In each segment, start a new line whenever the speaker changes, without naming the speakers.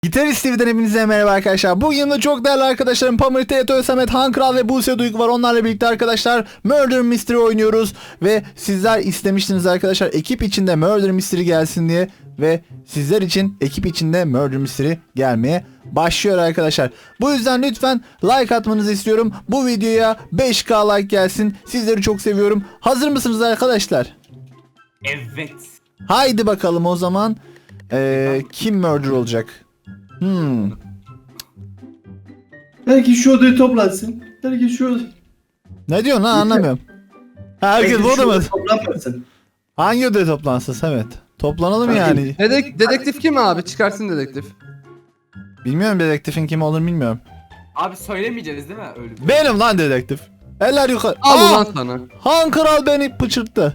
Gitarist TV'den hepinize merhaba arkadaşlar. Bugün yanımda çok değerli arkadaşlarım Pamir, Teto, Samet, Han Kral ve Buse Duygu var. Onlarla birlikte arkadaşlar Murder Mystery oynuyoruz. Ve sizler istemiştiniz arkadaşlar ekip içinde Murder Mystery gelsin diye. Ve sizler için ekip içinde Murder Mystery gelmeye başlıyor arkadaşlar. Bu yüzden lütfen like atmanızı istiyorum. Bu videoya 5K like gelsin. Sizleri çok seviyorum. Hazır mısınız arkadaşlar?
Evet.
Haydi bakalım o zaman. Kim murder olacak?
Herkes şu odayı toplansın. Herkes şu odayı.
Ne diyorsun lan anlamıyorum. Herkes burada mı?
Toplanmasın.
Hangi odaya toplansın Samet? Toplanalım yani.
Dedektif kim abi? Çıkarsın dedektif.
Bilmiyorum dedektifin kim olduğunu bilmiyorum.
Abi söylemeyeceğiz değil mi öyle bir?
Benim lan dedektif. Eller yukarı.
Al ulan sana.
Han Kral beni pıçırttı.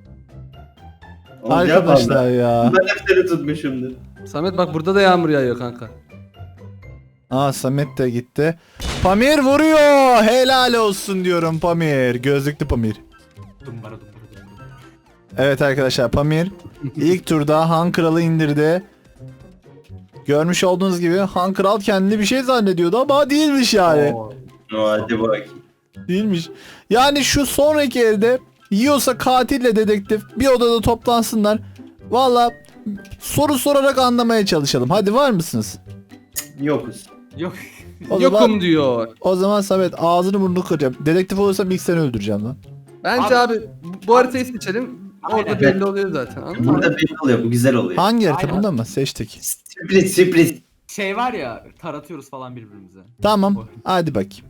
Arkadaşlar ya.
Ben hep seni tutmuşumdur.
Samet bak burada da yağmur yağıyor kanka.
Samet de gitti. Pamir vuruyor. Helal olsun diyorum Pamir. Gözlüklü Pamir.
Dumbara.
Evet arkadaşlar Pamir ilk turda Han Kral'ı indirdi. Görmüş olduğunuz gibi Han Kral kendini bir şey zannediyordu ama değilmiş yani.
Hadi bakayım.
Değilmiş. Yani şu sonraki elde yiyorsa katille dedektif bir odada toplansınlar. Valla soru sorarak anlamaya çalışalım. Hadi var mısınız?
Yokuz.
Yok.
Yokum diyor.
O zaman Samet ağzını burnunu kıracağım. Dedektif olursam ilk seni öldüreceğim lan.
Bence abi bu haritayı seçelim. Orada
Aynen.
belli oluyor zaten. Anladın mı?
Burada belli oluyor. Bu güzel oluyor.
Hangi harita
Aynen.
bunda mı? Seçtik.
Sürpriz.
Şey var ya taratıyoruz falan birbirimize.
Tamam hadi bakayım.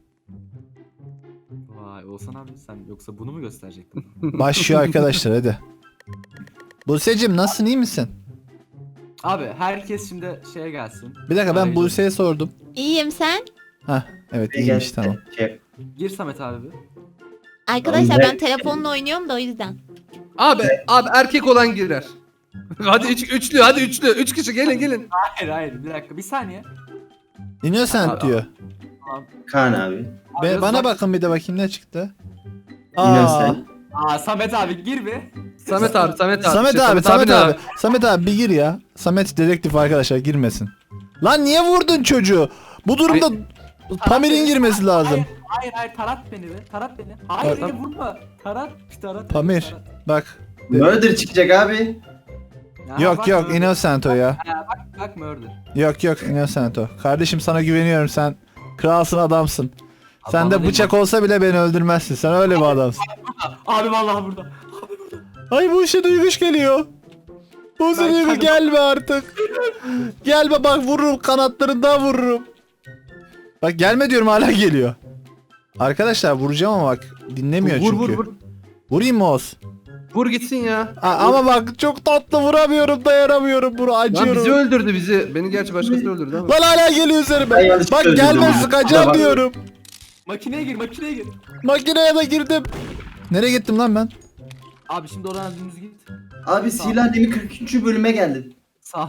Vay Oğuzhan abi sen yoksa bunu mu gösterecektin?
Başlıyor arkadaşlar hadi. Buse'cim nasılsın iyi misin?
Abi herkes şimdi şeye gelsin.
Bir dakika ben
Arayacağım.
Buse'ye sordum.
İyiyim sen?
Hah evet iyiymiş tamam.
Gir Samet abi bir.
Arkadaşlar
Ben-
ben telefonla oynuyorum da o yüzden.
Abi erkek olan girer. Hadi üçlü hadi üçlü. Üç kişi gelin.
Hayır bir dakika bir saniye.
Innocent
Abi,
diyor.
Kaan abi.
Abi,
Bana
bak-
bakın bir de bakayım ne çıktı.
Innocent.
Samet abi gir bir.
Samet abi.
Samet
Şey,
abi, Samet
ne
abi. Samet abi bir gir ya. Samet dedektif arkadaşlar girmesin. Lan niye vurdun çocuğu? Bu durumda Pamir'in girmesi lazım.
Hayır tarat beni be. Tarat beni. Hayır
Tarat.
beni vurma. Tarat.
Pamir
tarat.
bak.
Murder çıkacak abi.
Ya,
Yok
bak
yok
murder.
Innocent o ya.
Ha, bak murder.
Yok Innocent o. Kardeşim sana güveniyorum sen. Kralsın adamsın. Sen de
Bana
bıçak
değil,
olsa bile beni öldürmezsin. Sen öyle bir adamsın.
Abi vallahi burada.
Ay bu işe duyguş geliyor. Bu işe
Ben
duyguş
kendim-
gelme artık. Gelme bak vururum kanatlarından vururum. Bak gelme diyorum hala geliyor. Arkadaşlar vuracağım ama bak dinlemiyor çünkü.
Vur.
Vurayım mı Oz?
Vur gitsin ya.
Ama bak çok tatlı vuramıyorum dayanamıyorum bunu
Lan bizi
acıyorum.
öldürdü bizi. Beni gerçi başkası öldürdü ama.
Lan hala geliyor üzerime.
Ben yanlış
Bak
öldürdüm
gelme
ya.
sıkacağım
Bak.
diyorum.
Makineye gir.
Makineye de girdim. Nereye gittim lan ben?
Abi şimdi oradan dümdüz git.
Abi Sihirli Demi 43. bölüme geldin.
Sağ.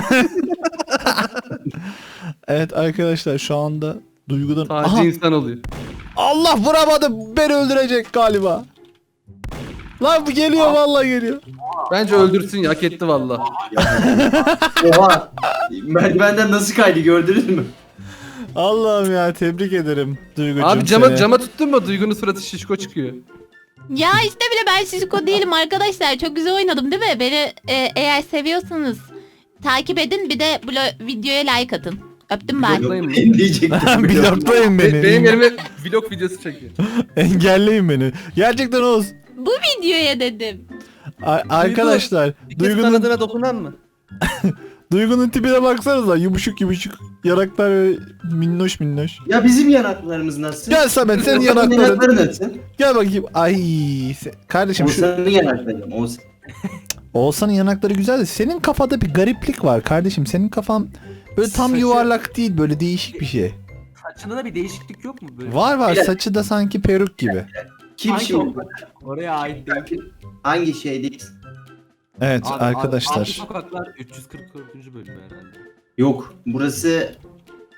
Evet arkadaşlar şu anda duygudan...
Sadece
Aha,
insan oluyor.
Allah vuramadı beni öldürecek galiba. Lan bu geliyor vallahi geliyor.
Bence öldürsün ya. Hak etti valla.
Oha. Merdivenden nasıl kaydı gördünüz mü?
Allah'ım ya tebrik ederim Duygucuğum
Abi
seni.
cama tuttun mu? Duygunun suratı şişko çıkıyor.
Ya işte bile ben şişko değilim arkadaşlar. Çok güzel oynadım değil mi? Beni eğer seviyorsanız takip edin bir de videoya like atın. Öptüm ben.
Bloklayın mı?
Diyecektim.
Bloklayın beni.
Benim elime vlog videosu çekiyor.
Engelleyin beni. Gerçekten Oğuz.
Bu videoya dedim.
Arkadaşlar
Bir kez
Duygu'nun
kanadına dokunan mı?
Duygu'nun tipine baksanıza yumuşuk yanaklar ve minnoş.
Ya bizim yanaklarımız nasıl?
Gel Samet senin
Yanakların
yanakların.
nasıl?
Gel bakayım. Ay kardeşim şu
Oğuzhan'ın yanakları. Oğuzhan.
Oğuzhan'ın yanakları güzel de senin kafada bir gariplik var kardeşim. Senin kafan böyle tam
Saçı-
yuvarlak değil böyle değişik bir şey.
Saçında da bir değişiklik yok mu böyle?
Var
Biraz-
saçı da sanki peruk gibi.
Kim
Hangi
şimdi?
Oraya ait değil.
Hangi şeydeyiz?
Evet
Abi,
arkadaşlar.
Abi sokaklar 344. bölüm herhalde.
Yok. Burası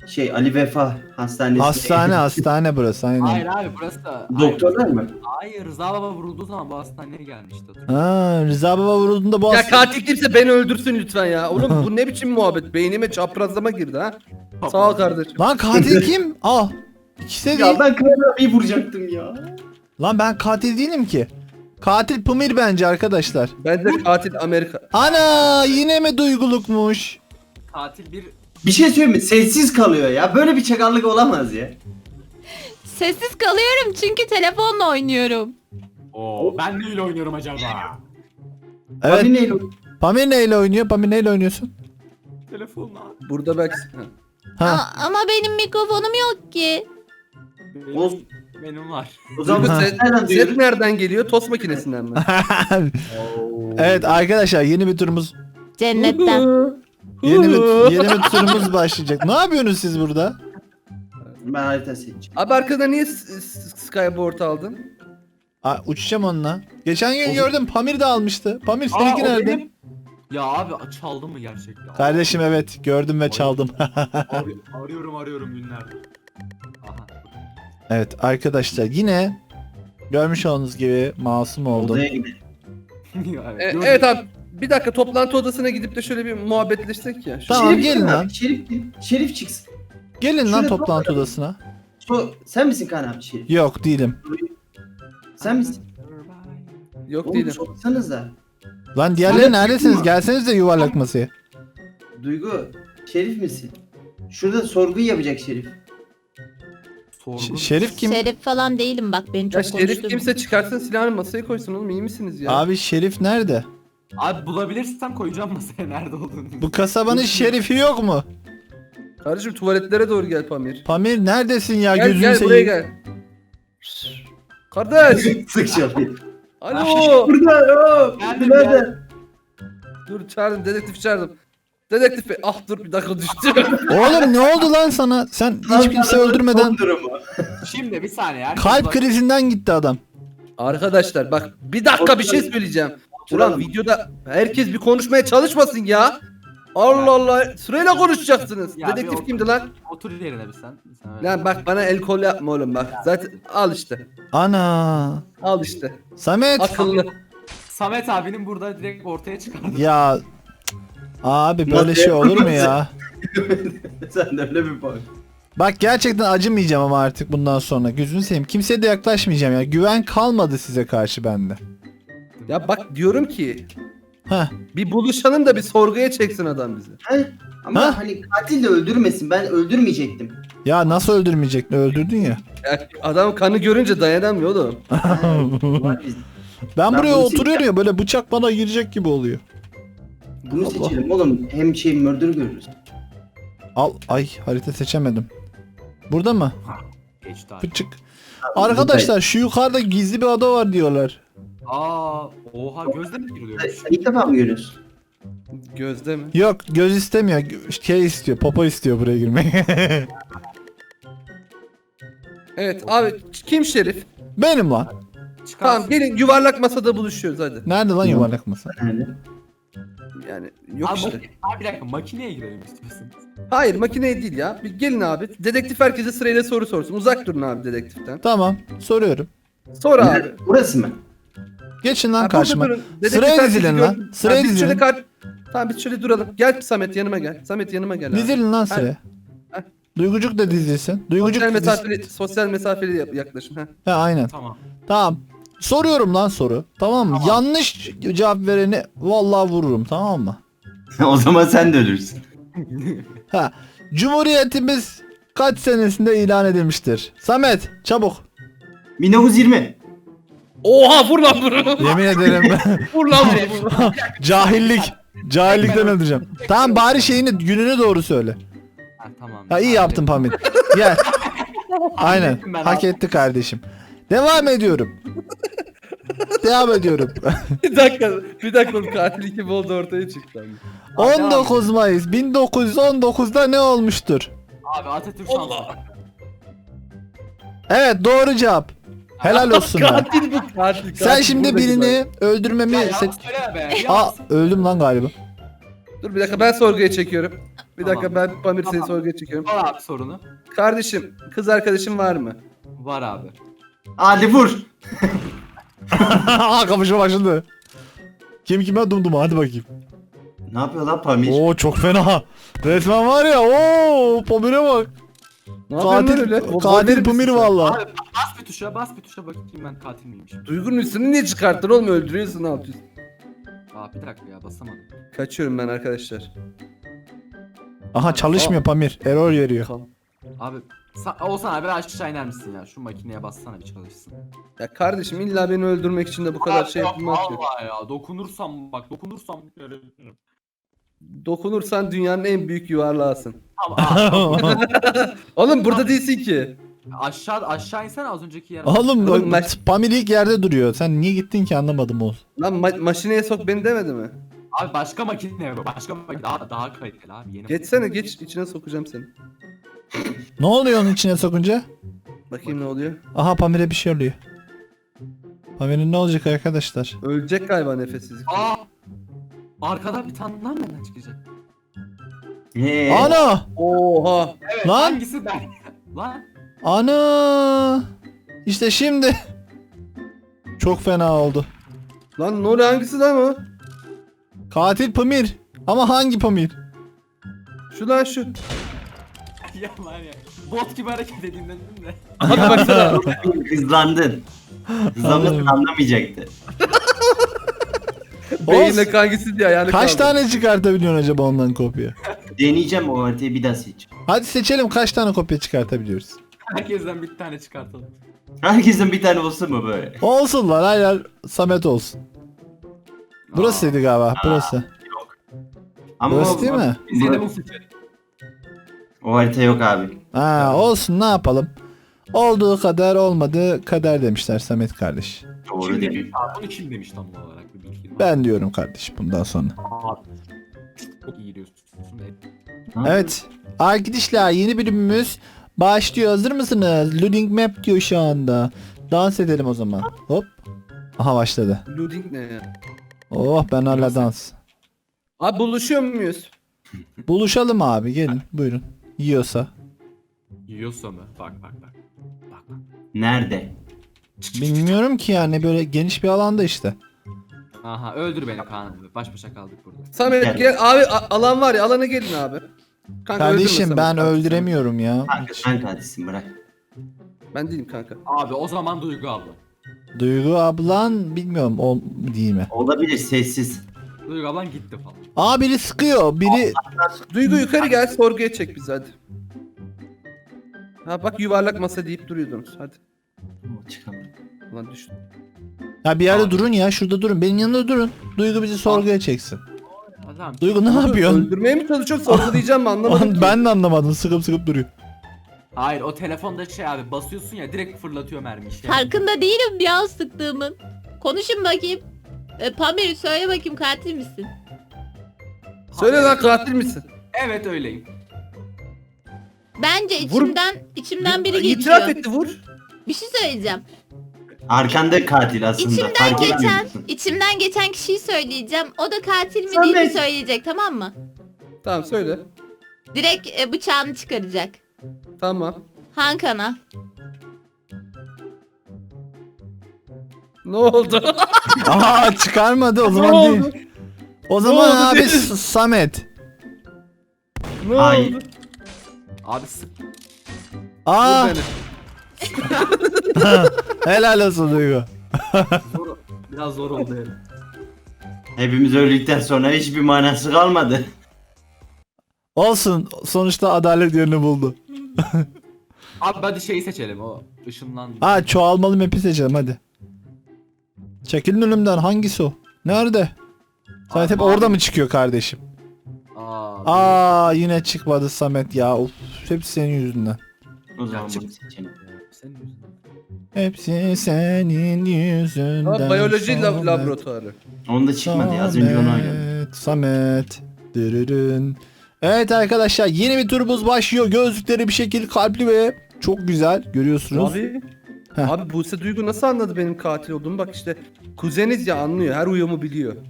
Ali Vefa Hastanesi.
Hastane burası aynen.
Hayır abi burası da.
Doktorlar mı?
Hayır Rıza Baba vurulduğu zaman bu hastaneye gelmişti.
Ha, Rıza Baba vurulduğunda bu
Ya katil kimse beni öldürsün lütfen ya. Oğlum bu ne biçim muhabbet? Beynime çaprazlama girdi ha. Sağ ol kardeşim.
Lan katil kim? Al. İkisi de
Ya
değil.
ben Kral abiyi vuracaktım ya.
Lan ben katil değilim ki. Katil Pamir bence arkadaşlar.
Bence katil Amerika.
Ana yine mi duygulukmuş?
Katil bir
Bir şey söyleyeyim mi? Sessiz kalıyor ya. Böyle bir çakallık olamaz ya.
Sessiz kalıyorum çünkü telefonla oynuyorum.
Oo, ben neyle oynuyorum acaba?
Evet.
Abi neyle?
Pamir neyle oynuyor? Pamir neyle oynuyorsun?
Telefonla.
Burada belki...
Ha.
Ama benim mikrofonum yok ki.
Olsun.
Benim var.
O zaman
Set,
nereden
set
duyuyoruz?
nereden geliyor? Tost makinesinden mi?
Evet arkadaşlar yeni bir turumuz
Cennetten.
yeni bir turumuz başlayacak. Ne yapıyorsunuz siz burada?
Ben harita seçeceğim.
Abi arkada niye Skyboard aldın?
Uçacağım onunla. Geçen gün gördüm Pamir de almıştı. Pamir seninki
o
nerede?
benim. Ya abi çaldı mı gerçekten?
Kardeşim evet gördüm ve çaldım.
Arıyorum günlerdir. Aha.
Evet arkadaşlar yine görmüş olduğunuz gibi masum oldum.
Odaya gidelim.
Evet abi. Bir dakika toplantı odasına gidip de şöyle bir muhabbetleşsek ya.
Tamam,
Şerif
gelin
kim
lan.
abi? Şerif çıksın.
Gelin lan
Şuraya
toplantı
bakalım.
odasına.
Sen misin Kaan abi Şerif?
Yok değilim.
Sen misin?
Yok
Oğlum
değilim.
soksanıza.
Lan diğerleri
Şerif
neredesiniz?
mi?
Gelseniz de yuvarlak masaya.
Duygu, Şerif misin? Şurada sorguyu yapacak Şerif.
Şerif kim?
Şerif falan değilim bak beni
Ya
çok
Şerif
konuşturma.
kimse çıkarsın silahını masaya koysun oğlum iyi misiniz ya?
Abi Şerif nerede?
Abi bulabilirsem koyacağım masaya nerede olduğunu.
Bu kasabanın şerifi yok mu?
Kardeşim tuvaletlere doğru gel Pamir.
Pamir neredesin ya
Gel
gözünü
gel buraya
seveyim.
gel. Kardeş.
Sık şapayı.
Alo.
Burada
Geldim,
birader.
Dur çağırdım dedektif çağırdım. Dedektif bey. Ah dur bir dakika düştü.
Oğlum ne oldu lan sana? Sen hiç kimse öldürmeden
Son durumu.
Şimdi bir saniye. herkes
kalp
bak-
krizinden gitti adam.
Arkadaşlar bak bir dakika bir şey söyleyeceğim. Ulan videoda herkes bir konuşmaya çalışmasın ya. Allah Allah sırayla konuşacaksınız.
Ya
Dedektif
bir
kimdi lan?
Otur yerine bir sen. öyle.
Lan bak bana el kol yapma oğlum bak. Zaten al işte.
Ana.
Al işte.
Samet.
Akıllı.
Samet abinin burada direkt ortaya çıkardı.
Ya abi böyle şey olur mu ya?
Sen de öyle bir bak.
Bak gerçekten acımayacağım ama artık bundan sonra. Gözünü seveyim. Kimseye de yaklaşmayacağım ya. Güven kalmadı size karşı bende.
Ya bak diyorum ki
Heh.
bir buluşalım da bir sorguya çeksin adam bizi.
He? Ama
Ha?
hani katil de öldürmesin. Ben öldürmeyecektim.
Ya nasıl öldürmeyecektin? Öldürdün ya.
Ya adam kanı görünce dayanamıyor oğlum.
Var biz.
Ben
Ben
buraya
bunu
oturuyorum ya böyle bıçak bana girecek gibi oluyor.
Bunu seçelim oğlum. Hem murder görürüz.
Al. Ay harita seçemedim. Burada mı?
Geçti abi.
Pıçık. Arkadaşlar şu yukarıda gizli bir ada var diyorlar.
Oha gözle mi giriliyormuş?
Sen ilk defa mı görüyorsun?
Gözde mi?
Yok göz istemiyor. Şey istiyor. Popo istiyor buraya girmeyi.
Evet abi kim Şerif?
Benim lan.
Çıkarsın.
Tamam gelin yuvarlak masada buluşuyoruz hadi.
Nerede lan yuvarlak masa?
Nerede?
Yani yok
Abi,
işte.
abi bir dakika makineye girelim istiyorsun.
Hayır makineye değil ya. Bir gelin abi. Dedektif herkese sırayla soru sorsun. Uzak durun abi dedektiften.
Tamam soruyorum.
Sor abi.
Nerede? Burası mı?
Geçin lan
Ha, burada
karşıma.
durun. Dedektif
Sıraya
herkesi
dizilin lan.
gördüm.
Sıraya
biz şöyle
dizilin.
Tamam biz şöyle duralım. Gel Samet yanıma gel. Samet yanıma gel abi.
Dizilin lan sıraya.
Ha.
Duygucuk da dizilsin. Duygucuk
Sosyal
dizilsin.
mesafeli, sosyal mesafeli yaklaşın. Ha.
Ha aynen.
Tamam.
Tamam. Soruyorum lan soru. Tamam mı? Yanlış cevap vereni vallahi vururum tamam mı?
O zaman sen de ölürsün.
Ha. Cumhuriyetimiz kaç senesinde ilan edilmiştir? Samet çabuk.
1920.
Oha vur lan bunu.
Yemin ederim.
Vur lan bunu.
Cahillik. Cahillikten öldüreceğim. Tamam bari şeyini gününü doğru söyle.
Ha, tamam.
Ha iyi yaptın Pamir. Gel. Aynen.
ettim ben
Hak
abi.
etti kardeşim. Devam ediyorum. Devam ediyorum.
bir dakika oğlum katil kim oldu ortaya çıktı. Abi.
19 Mayıs 1919'da ne olmuştur?
Abi Atatürk şansı.
Evet doğru cevap. Helal olsun lan.
Katil bu katil.
Sen şimdi
buradaki
birini öldürmemi
Ya
seç...
yalan söyleme be.
Aa öldüm lan galiba.
Dur bir dakika ben sorguya çekiyorum. Bir
Tamam.
dakika ben Pamir seni
Tamam.
sorguya çekiyorum.
Var abi sorunu.
Kardeşim kız arkadaşın var mı?
Var abi.
Hadi vur.
Kapışma başladı. Kim kime dumduma hadi bakayım.
Ne yapıyor lan Pamir?
Oo çok fena. Resmen var ya oo Pamir'e bak.
Ne yapıyorsun
Katil,
öyle?
katil Pamir valla.
Abi bas bir tuşa bakayım ben katil miymişim.
Duygu'nun üstünü niye çıkarttın oğlum öldürüyorsun ne yapıyorsun?
Aa bir dakika ya basamadım.
Kaçıyorum ben arkadaşlar.
Aha çalışmıyor Pamir. Error veriyor.
Abi Oğuzhan abi aşağı iner misin ya? Şu makineye bassana bir çalışsın.
Ya kardeşim illa beni öldürmek için de bu kadar şey yapılmaz ki.
Vallahi ya dokunursam
Dokunursan dünyanın en büyük yuvarlağısın.
Ama
Oğlum burada değilsin ki.
aşağı insene az önceki yere.
Oğlum
Oğlum,
Pamir ilk yerde duruyor. Sen niye gittin ki anlamadım oğlum.
Lan maşineye sok beni demedi mi?
Abi başka makine başka makine daha kaliteli abi yeni.
Geçsene geç içine sokacağım seni.
Ne oluyor onun içine sokunca?
Bakayım ne oluyor.
Aha Pamir'e bir şey oluyor. Pamir'in ne olacak arkadaşlar?
Ölecek galiba nefessizlik.
Aa! Arkadan bir tane daha nereden çıkacak?
Ana!
Oha.
Evet
Lan!
hangisi ben? Lan!
Ana! İşte şimdi. Çok fena oldu.
Lan ne oluyor hangisi lan o?
Katil Pamir. Ama hangi Pamir?
Şu lan şu.
Ya var ya. Bot gibi hareket edeyim dedim de.
Abi baksana.
Hızlandın. Hızlanmasın anlamayacaktı.
Beyinle hangisi diye yani
Kaç tane çıkartabiliyorsun acaba ondan kopya?
Deneyeceğim o haritayı bir daha seç.
Hadi seçelim kaç tane kopya çıkartabiliyoruz.
Herkesten bir tane çıkartalım.
Herkesin bir tane olsun mu böyle?
Olsun lan hayır Samet olsun. Burasıydı galiba burası.
Ama
Burası değil mi?
Biz yine bu seçelim.
O harita yok abi.
Ha olsun ne yapalım. Olduğu kadar olmadığı kader demişler Samet kardeş.
Doğru
Kim
değil.
demiş? Abi bunu kim demiş tam olarak bir bilgi var.
Ben diyorum kardeş bundan sonra.
Abi. Çok iyi diyorsun.
Evet. Arkadaşlar yeni bölümümüz başlıyor. Hazır mısınız? Loading map diyor şu anda. Dans edelim o zaman. Hop. Aha başladı.
Loading ne ya?
Oh ben hala dans.
Abi buluşuyor muyuz?
Buluşalım abi gelin buyurun. Yiyorsa.
Yiyorsa mı? Bak. Bak.
Nerede?
Bilmiyorum ki yani böyle geniş bir alanda işte.
Aha öldür beni Kaan abi. Baş başa kaldık burada.
Samet gel abi alan var ya alana gelin abi. Kanka
Kardeşim
öldürme
ben
Samet,
öldüremiyorum ya.
Kanka sen katilsin bırak.
Ben değilim kanka.
Abi o zaman Duygu abla.
Duygu ablan bilmiyorum o değil mi?
Olabilir sessiz.
Duygu ablan gitti falan.
Aa biri sıkıyor biri.
Duygu yukarı gel sorguya çek bizi hadi. Ha bak yuvarlak masa deyip duruyordunuz hadi.
Çıkamadım.
Ulan düştüm.
Ya bir yerde durun ya şurada durun benim yanımda durun. Duygu bizi sorguya çeksin.
Ha, tamam.
Duygu ne yapıyorsun?
Öldürmeye mi çalışıyor sorgulayacağım mı anlamadım ki.
Ben de anlamadım sıkıp duruyor.
Hayır o telefonda şey abi basıyorsun ya direkt fırlatıyor mermi işte.
Farkında değilim ya sıktığımın. Konuşun bakayım. Pamir söyle bakayım katil misin?
Söyle lan katil misin?
Evet öyleyim.
Bence
Vur.
içimden biri
İtiraf
geçiyor.
etti vur.
Bir şey söyleyeceğim.
Arkanda katil aslında.
İçimden
Fark etmiyor
geçen,
musun?
içimden geçen kişiyi söyleyeceğim. O da katil mi
Samet.
değil mi söyleyecek tamam mı?
Tamam söyle.
Direkt bıçağını çıkaracak.
Tamam.
Hakan'a.
Ne oldu?
Aa çıkarmadı o
Ne
zaman
oldu?
değil. O zaman
oldu
abi
değil?
Samet.
Ne
Hayır.
oldu?
Abi sık.
Aa
Vur beni.
helal olsun Duygu.
Zor, biraz zor oldu yani.
Hepimiz öldükten sonra hiçbir manası kalmadı.
Olsun sonuçta adalet yerini buldu.
Abi hadi şeyi seçelim o ışınlan.
Ha çoğalmalı map'i seçelim hadi. Çekilin önümden hangisi o? Nerede? Samet hep
Abi.
orada mı çıkıyor kardeşim?
Aa.
Yine çıkmadı Samet ya. Of, hepsi senin yüzünden.
O zaman bunu seçelim.
Senin yüzünden.
Hepsi senin yüzünden.
Ha, biyoloji
Samet.
laboratuvarı.
Onda çıkmadı ya az önce onu oynadım.
Samet. Dırırın. Evet arkadaşlar yeni bir turumuz başlıyor. Gözlükleri bir şekil kalpli ve çok güzel görüyorsunuz.
Abi.
Heh.
Abi Buse Duygu nasıl anladı benim katil olduğumu? Bak işte kuzeniz ya anlıyor. Her uyumu biliyor.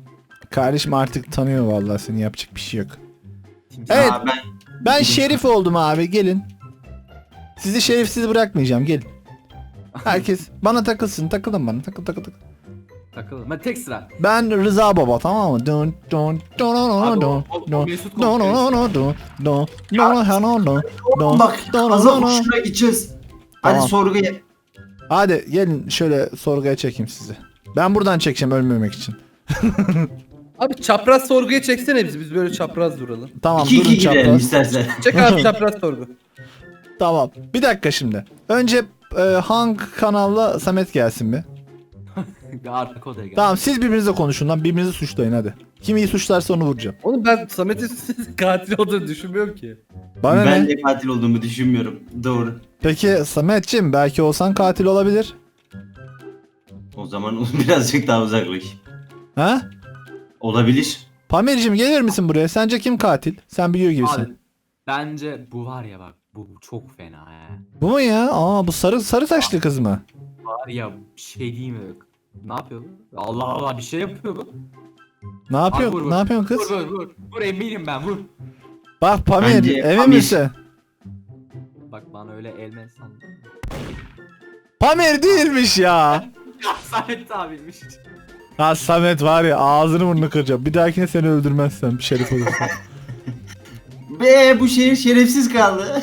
Kardeşim artık tanıyor vallahi seni, yapacak bir şey yok. Evet.
Aa,
Ben şerif oldum abi, gelin. Sizi şerifsiz bırakmayacağım, gelin. Herkes bana takılsın, takılın bana, takıl.
Takılın. Ben tek sıra.
Ben Rıza Baba, tamam mı? Dun dun dun
Abi
dun
o
dun
Mesut
dun
konuşuyor.
dun dun dun dun dun dun
bak
dun
azal
dun.
uçuna gideceğiz. Hadi
Tamam.
sorguya.
Hadi gelin şöyle sorguya çekeyim sizi. Ben buradan çekeceğim ölmemek için.
Abi çapraz sorguya çeksene bizi. Biz böyle çapraz duralım.
Tamam
2-2
durun
gidelim
çapraz.
istersen.
Çek abi çapraz sorgu.
Tamam. Bir dakika şimdi. Önce hangi kanalla Samet gelsin bir.
Bir arka odaya gel.
Tamam siz birbirinizle konuşun lan. Birbirinizi suçlayın hadi. Kim iyi suçlarsa onu vuracağım.
Oğlum ben Samet'in katil olduğunu düşünmüyorum ki.
Bana
Ben
ne?
de katil olduğumu düşünmüyorum. Doğru.
Peki Sametciğim belki olsan katil olabilir.
O zaman birazcık daha uzaklaş.
Ha?
Olabilir.
Pamir'cim gelir misin buraya? Sence kim katil? Sen biliyor gibisin.
Abi, bence bu var ya bak. Bu çok fena he.
Bu mu ya? Aa bu sarı saçlı kız mı?
Var ya bir şey değil mi? Ne yapıyor bu? Allah Allah bir şey yapıyor bu.
Ne
Abi,
yapıyorsun?
vur.
Ne yapıyorsun kız?
Vur. Vur eminim ben vur.
Bak Pamir,
Bence
emin
Pamir.
misin?
Bak bana öyle elmen sandım.
Pamir değilmiş ya.
Ya Samet abiymiş.
Ha Samet var ya, ağzını burnunu kıracağım. Bir dahakine seni öldürmezsem şerif olursun.
Be bu şehir şerefsiz kaldı.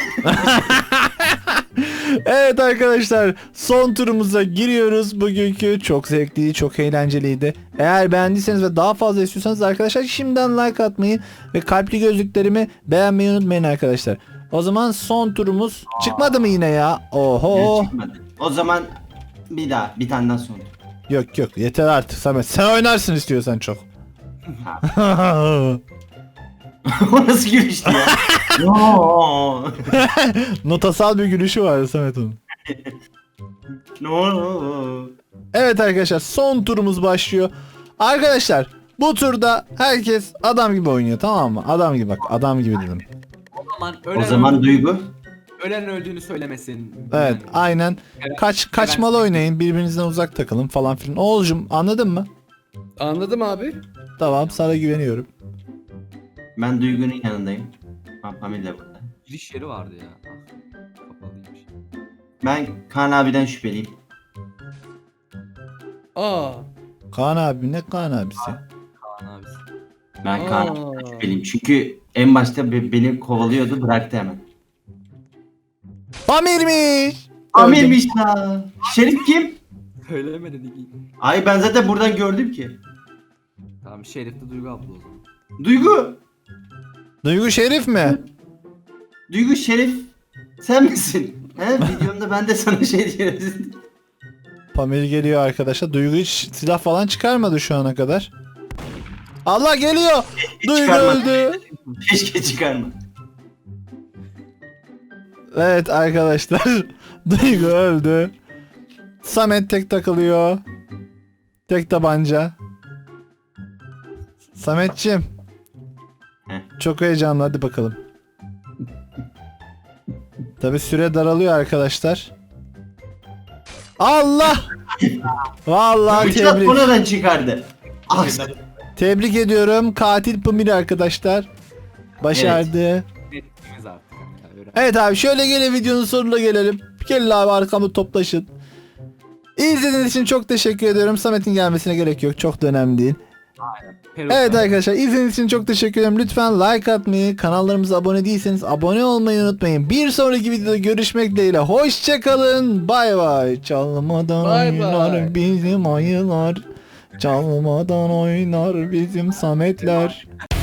Evet arkadaşlar, son turumuza giriyoruz. Bugünkü çok zevkli, çok eğlenceliydi. Eğer beğendiyseniz ve daha fazla istiyorsanız arkadaşlar şimdiden like atmayı ve kalpli gözlüklerimi beğenmeyi unutmayın arkadaşlar. O zaman son turumuz çıkmadı mı yine ya? Oho.
Çıkmadı. O zaman bir daha bir tane daha sonra.
Yok yeter artık Samet. Sen oynarsın istiyorsan çok.
O nasıl gülüştü ya? No.
Notasal bir gülüşü var Samet onun.
No.
Evet arkadaşlar, son turumuz başlıyor. Arkadaşlar bu turda herkes adam gibi oynuyor, tamam mı? Adam gibi, bak adam gibi dedim.
O zaman Duygu.
Ölen öldüğünü söylemesin.
Evet aynen.
Evet.
Kaçmalı oynayın, birbirinizden uzak takılın falan filan. Oğulcum anladın mı?
Anladım abi.
Tamam, sana güveniyorum.
Ben Duygu'nun yanındayım. Pamir de burada.
Giriş yeri vardı ya. Ah, kapalıymış.
Ben Kaan abiden şüpheliyim.
Aa.
Kaan abi, ne Kaan abisi?
Kaan abisi.
Ben Kaan
Aa.
abiden şüpheliyim. Çünkü en başta beni kovalıyordu, bıraktı hemen.
Pamir'miş.
Amirmiş la. Şerif kim?
Söyleme dedi ki.
Ay ben zaten buradan gördüm ki.
Tamam Şerif de Duygu abla o zaman.
Duygu.
Duygu Şerif mi?
Duygu Şerif. Sen misin? He videomda ben de sana şey diyorum.
Pamir geliyor arkadaşlar. Duygu hiç silah falan çıkarmadı şu ana kadar. Allah geliyor. Duygu
Çıkarmadı.
öldü.
Keşke çıkarma.
Evet arkadaşlar. Duygu öldü. Samet tek takılıyor. Tek tabanca. Sametciğim.
Heh.
Çok heyecanlı, hadi bakalım. Tabi süre daralıyor arkadaşlar. Allah! Vallahi
Bıçak
tebrik.
buradan çıkardı. Ah,
Tebrik ediyorum. Katil Pamir arkadaşlar. Başardı.
Netimiz artık. Yani. Öyle.
Evet abi, şöyle gelin videonun sonuna gelelim. Gelin abi arkamda toplaşın. İzlediğiniz için çok teşekkür ediyorum. Samet'in gelmesine gerek yok. Çok da önemli değil.
Peruk
Evet
var.
arkadaşlar, izlediğiniz için çok teşekkür ederim. Lütfen like atmayı, kanallarımıza abone değilseniz abone olmayı unutmayın. Bir sonraki videoda görüşmek dileğiyle. Hoşçakalın. Bay bay. Çalmadan
Bay
oynar
bay.
bizim ayılar. Çalmadan oynar bizim Sametler.